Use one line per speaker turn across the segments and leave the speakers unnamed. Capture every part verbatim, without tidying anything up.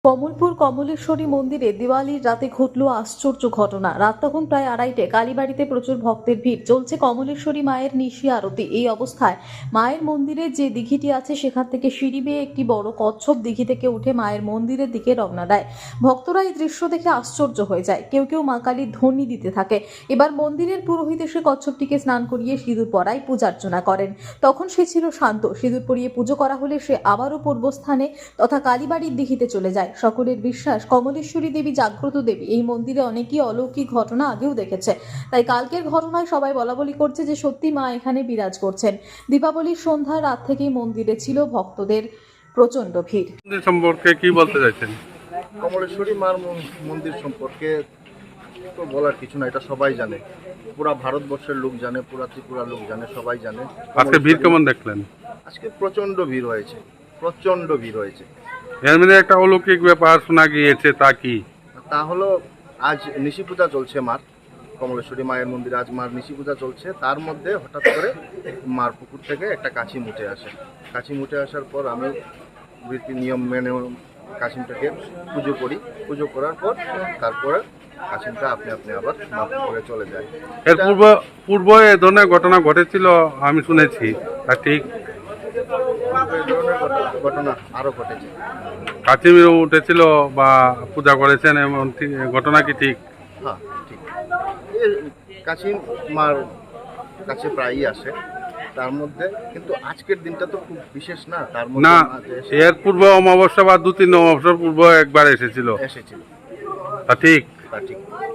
কমলপুর কমলেশ্বরী মন্দিরে দিওয়ালির রাতে ঘটল আশ্চর্য ঘটনা। রাত তখন প্রায় আড়াইটে। কালীবাড়িতে প্রচুর ভক্তের ভিড়, চলছে কমলেশ্বরী মায়ের নিশি আরতি। এই অবস্থায় মায়ের মন্দিরে যে দিঘিটি আছে সেখান থেকে সিঁড়ি বেয়ে একটি বড় কচ্ছপ দিঘি থেকে উঠে মায়ের মন্দিরের দিকে রওনা দেয়। ভক্তরা এই দৃশ্য দেখে আশ্চর্য হয়ে যায়। কেউ কেউ মা কালীর ধ্বনি দিতে থাকে। এবার মন্দিরের পুরোহিত এসে কচ্ছপটিকে স্নান করিয়ে সিঁদুর পরায় পূজার্চনা করেন। তখন সে ছিল শান্ত। সিঁদুর পরিয়ে পুজো করা হলে সে আবারও পূর্বস্থানে তথা কালীবাড়ির দিঘিতে চলে যায়। সকলের বিশ্বাস কমলেশ্বরী দেবী জাগ্রত দেবী। এই মন্দিরে অনেকই অলৌকিক ঘটনা আগেও দেখেছে, তাই কালকের ঘটনায় সবাই বলাবলি করছে যে সত্যি মা এখানে বিরাজ করছেন। দীপাবলির সন্ধ্যা রাত থেকেই মন্দিরে ছিল ভক্তদের প্রচন্ড ভিড়।
সম্পর্কে কি বলতে চাইছেন?
কমলেশ্বরী মার মন্দির সম্পর্কে তো বলার কিছু না, এটা সবাই জানে, পুরা ভারতবর্ষের লোক জানে, পুরা ত্রিপুরা লোক জানে, সবাই জানে।
আজকে ভিড় কেমন দেখলেন?
আজকে প্রচন্ড ভিড় হয়েছে, প্রচন্ড ভিড় হয়েছে।
এর মধ্যে একটা অলৌকিক ব্যাপার শোনা গিয়েছে, তা কি?
তা হলো আজ নিশি পূজা চলছে মার, কমলেশ্বরী মায়ের মন্দিরে আজ মার নিশি পূজা চলছে। তার মধ্যে হঠাৎ করে মার পুকুর থেকে একটা কাছি মুটে আসে। কাছি মুটে আসার পর আমি রীতি নিয়ম মেনে কাছিমটাকে পুজো করি। পুজো করার পর তারপরে কাছিমটা আপনি আপনি আবার মাপ করে চলে যায়।
এর পূর্ব পূর্ব এ ধরনের ঘটনা ঘটেছিল আমি শুনেছি, তা ঠিক?
এই ধরনের ঘটনা- ঘটনা আরো ঘটেছে।
কাচিমির উঠেছিল বা পূজা করেছেন, এমন ঠিক- ঘটনা কি ঠিক?
হ্যাঁ ঠিক, এই কাছিম মার কাছে প্রায়ই আসে। তার মধ্যে কিন্তু আজকের দিনটা তো খুব বিশেষ না, তার মধ্যে
না,
মা যে এসে-
এর পূর্ব অমাবস্যা বা দু তিন অমাবস্যার পূর্ব একবার এসেছিল,
এসেছিল,
তা ঠিক?
তা ঠিক।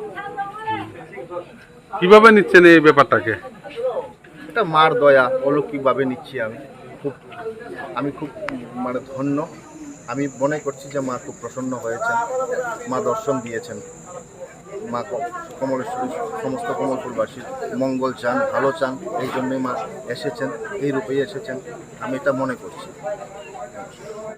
কিভাবে নিচ্ছেন এই ব্যাপারটাকে?
এটা মার দয়া, অলৌকিকভাবে নিচ্ছি আমি। খুব আমি খুব মানে ধন্য। আমি মনে করছি যে মা খুব প্রসন্ন হয়েছেন, মা দর্শন দিয়েছেন। মা ক- কমলেশ্বরী সমস্ত কমলপুরবাসীর মঙ্গল চান, ভালো চান, এই জন্যই মা এসেছেন, এই রূপেই এসেছেন। আমি এটা মনে করছি।